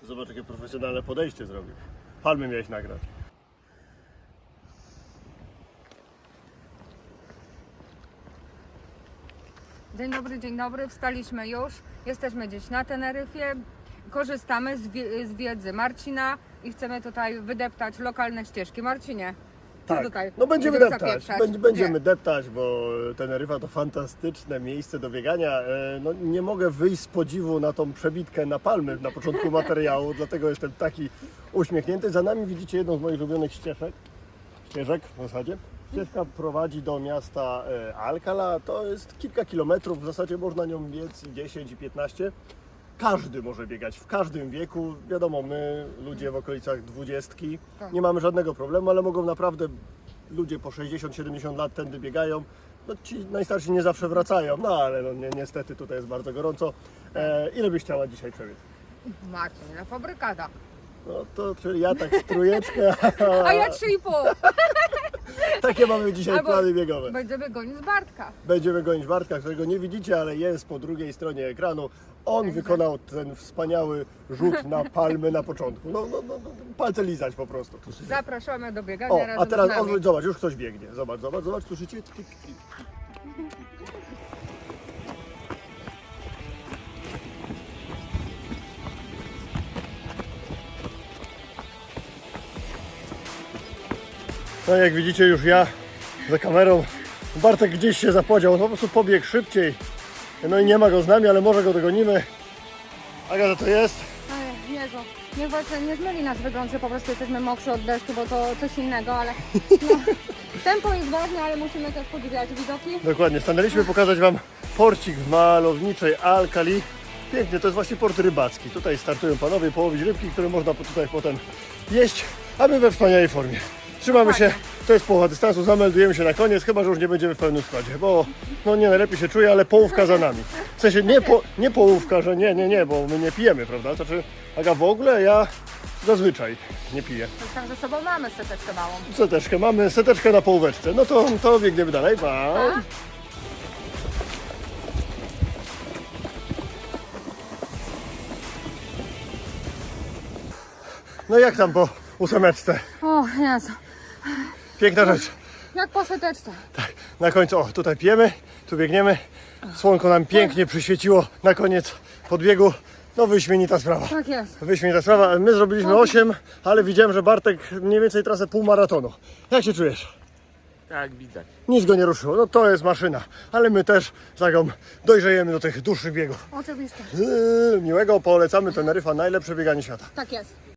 Zobacz, jakie profesjonalne podejście zrobił. Palmy miałeś nagrać. Dzień dobry, wstaliśmy już. Jesteśmy gdzieś na Teneryfie. Korzystamy z wiedzy Marcina i chcemy tutaj wydeptać lokalne ścieżki. Marcinie, co Tak, tutaj? no będziemy deptać, zapieprzać? będziemy deptać, bo Teneryfa to fantastyczne miejsce do biegania. No, nie mogę wyjść z podziwu na tą przebitkę na palmy na początku materiału, dlatego jestem taki uśmiechnięty. Za nami widzicie jedną z moich ulubionych ścieżek w zasadzie. Ścieżka prowadzi do miasta Alcalá, to jest kilka kilometrów, w zasadzie można nią biec 10 i 15. Każdy może biegać, w każdym wieku. Wiadomo, my, ludzie w okolicach 20, nie mamy żadnego problemu, ale mogą naprawdę ludzie po 60-70 lat tędy biegają. No, ci najstarsi nie zawsze wracają, no ale no, niestety tutaj jest bardzo gorąco. Ile byś chciała dzisiaj przebiec? Marcin, na fabrykada. No to czyli ja tak trójeczkę, A ja 3,5. takie mamy dzisiaj Albo plany biegowe. Będziemy gonić Bartka. Będziemy gonić Bartka, którego nie widzicie, ale jest po drugiej stronie ekranu. On wykonał ten wspaniały rzut na palmy na początku. No, palce lizać po prostu. Zapraszamy do biegania O, razem a teraz z nami. odwróć, zobacz, już ktoś biegnie. Zobacz, słyszycie? Tyk, tyk. No jak widzicie, już ja za kamerą. Bartek gdzieś się zapodział, on po prostu pobiegł szybciej. No i nie ma go z nami, ale może go dogonimy. Agata, to jest? Ej, Jezu, niech właśnie nie zmyli nas wygląd, że po prostu jesteśmy mokrzy od deszczu, bo to coś innego, ale no, tempo jest ważne, ale musimy też podziwiać widoki. Dokładnie, stanęliśmy pokazać Wam porcik w malowniczej Alcalí. Pięknie, to jest właśnie port rybacki. Tutaj startują panowie połowić rybki, które można tutaj potem jeść, a my we wspaniałej formie. Trzymamy się, to jest połowa dystansu, zameldujemy się na koniec, chyba że już nie będziemy w pełnym składzie, bo no nie najlepiej się czuję, ale połówka za nami. W sensie nie połówka, że nie, bo my nie pijemy, prawda? Znaczy, Aga, w ogóle ja zazwyczaj nie piję. Tak, ze sobą mamy seteczkę małą. Seteczkę, mamy seteczkę na połóweczce. No to biegniemy dalej, pa. No jak tam po 8? O Jezu, Piękna rzecz. jak po seteczce. Tak, na końcu, o, tutaj pijemy, tu biegniemy. Słonko nam pięknie przyświeciło na koniec podbiegu. No wyśmienita sprawa. Tak jest. Wyśmienita sprawa. My zrobiliśmy 8, ale widziałem, że Bartek mniej więcej trasę półmaratonu. Jak się czujesz? Tak, widać. Nic go nie ruszyło. No to jest maszyna. Ale my też zagom dojrzejemy do tych dłuższych biegów. Oczywiście. Miłego, polecamy Teneryfa, najlepsze bieganie świata. Tak jest.